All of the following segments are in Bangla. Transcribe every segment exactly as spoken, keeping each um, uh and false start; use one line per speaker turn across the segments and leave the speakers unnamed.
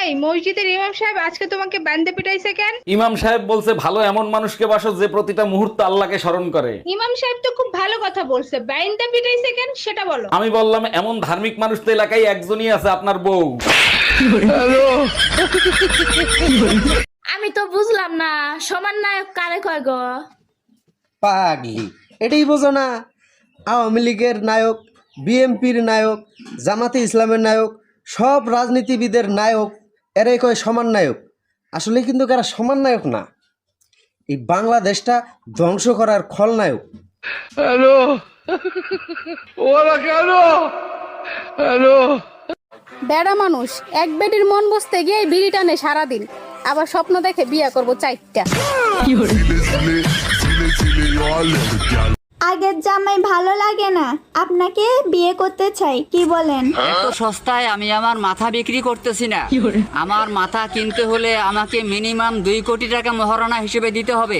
এই মসজিদের ইমাম সাহেব আজকে তোমাকে বান্দে পিটাইছে কেন?
ইমাম সাহেব বলছে ভালো এমন মানুষকে বাসো যে প্রতিটা মুহূর্তে আল্লাহকে স্মরণ করে।
ইমাম সাহেব তো খুব ভালো কথা বলছে, বান্দে পিটাইছে কেন সেটা বলো।
আমি বললাম এমন ধার্মিক মানুষ তো এলাকায় একজনই আছে, আপনার বউ।
আমি তো বুঝলাম না সমান নায়ক কারে কয় গো?
পাগলি, এটাই বোঝো না? আওয়ামী লীগের নায়ক, বিএনপির নায়ক, জামাতে ইসলামের নায়ক, সব রাজনীতিবিদের নায়ক এরাই কয় সমান নায়ক। আসলে কিন্তু এরা সমান নায়ক না, এই বাংলাদেশটা ধ্বংস করার খলনায়ক।
হ্যালো, ওরা কেন? হ্যালো,
বেড়া মানুষ এক বেটির মন বসতে গিয়ে বিড়ি টানে সারাদিন, আবার স্বপ্ন দেখে বিয়া করব চারটা।
আগের জামাই ভালো লাগে না, আপনাকে বিয়ে করতে চাই, কি বলেন?
এত সস্তায় আমি আমার মাথা বিক্রি করতেছি না। আমার মাথা কিনতে হলে আমাকে মিনিমাম দুই কোটি টাকা মহারণা হিসেবে দিতে হবে।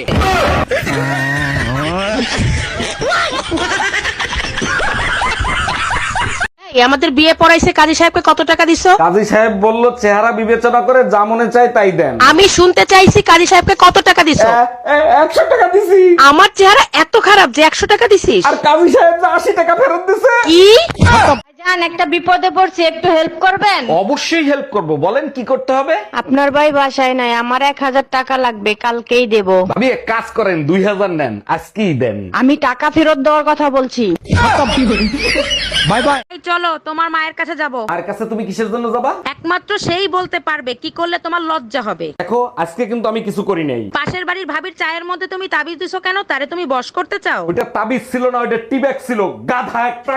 আমাদের বিয়ে পড়াইছে কাজী সাহেবকে কত টাকা দিছো?
কাজী সাহেব বলল চেহারা বিবেচনা করে যা মনে চায় তাই দেন।
আমি শুনতে চাইছি কাজী সাহেবকে কত টাকা দিছো?
একশো টাকা দিছি।
আমার চেহারা এত খারাপ যে একশো টাকা দিছিস?
আর কাজী সাহেব যে আশি টাকা ফেরত দিছে।
কি?
জান একটা বিপদে পড়ছে, একটু হেল্প করবেন?
অবশ্যই হেল্প করব, বলেন কি করতে হবে।
আপনার ভাই বাসায় নাই, আমার এক হাজার টাকা লাগবে, কালকেই দেব।
ভাবি এক কাজ করেন, দুই হাজার নেন, আজকেই দেন।
আমি টাকা ফেরত দেওয়ার কথা বলছি।
Bye bye.
চলো তোমার মায়ের কাছে যাব।
আর কাছে তুমি কিসের জন্য যাবা?
একমাত্র সেই বলতে পারবে কি করলে তোমার লজ্জা হবে।
দেখো আজকে কিন্তু আমি কিছু করি নাই।
পাশের বাড়ির ভাবির চায়ের মধ্যে তুমি তাবিজ দিছো কেন? তারে তুমি বশ করতে চাও?
ওইটা তাবিজ ছিল না, ওইটা টিব্যাগ ছিল, গাধা একটা।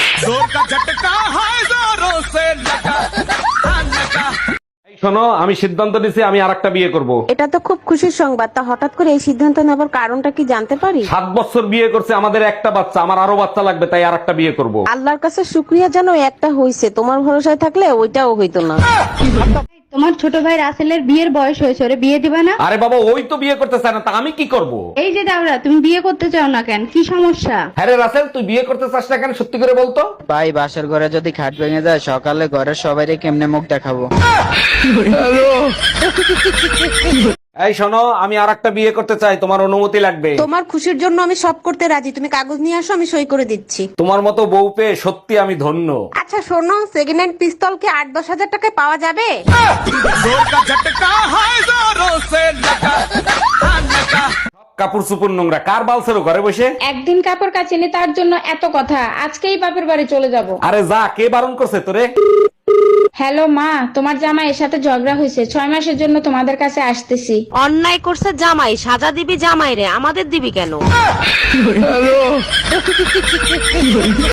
এই শোনো, আমি সিদ্ধান্ত নিছি আমি আরেকটা বিয়ে করব।
এটা তো খুব খুশির সংবাদ, তা হঠাৎ করে এই সিদ্ধান্ত নেবার কারণটা কি জানতে পারি?
সাত বছর বিয়ে করছে, আমাদের একটা বাচ্চা, আমার আরো বাচ্চা লাগবে, তাই আরেকটা বিয়ে করব।
আল্লাহর কাছে শুক্রিয়া জানো একটা হইছে, তোমার ভরসায় থাকলে ওইটাও হইতো না।
তোমার ছোট ভাই রাসেলের বিয়ের বয়স হয়েছে, ওরে বিয়ে দিবা না?
আরে বাবা, ওই তো বিয়ে করতে চায় না, তা আমি কি করব?
এই যে দাওরা, তুমি বিয়ে করতে চাও না কেন, কি সমস্যা?
হ্যাঁ রে রাসেল, তুই বিয়ে করতে চাস না কেন, সত্যি করে বলতো।
ভাই বাসার ঘরে যদি খাট ভেঙে যায়, সকালে ঘরের সবাইকে কেমনে মুখ দেখাবো?
এই শোনো, আমি আরেকটা বিয়ে করতে চাই, তোমার অনুমতি লাগবে।
তোমার খুশির জন্য আমি সব করতে রাজি, তুমি কাগজ নিয়ে আসো, আমি সই করে দিচ্ছি।
তোমার মতো বউ পেয়ে সত্যি আমি ধন্য।
আচ্ছা শোনো, সেকেন্ড হ্যান্ড পিস্তল কি আট দশ হাজার টাকায় পাওয়া যাবে?
কাপড় চুপুর নোংরা, কার বালছেরো ঘরে বসে?
একদিন কাপড় কাচিনি তার জন্য এত কথা, আজকেই বাপের বাড়ি চলে যাব।
আরে যা, কে বারণ করছে তোরে?
হ্যালো মা, তোমার জামাইয়ের সাথে ঝগড়া হয়েছে, ছয় মাসের জন্য তোমাদের কাছে আসতেছি।
অন্যায় করছে জামাই, সাজা দিবি জামাই রে, আমাদের দিবি কেন?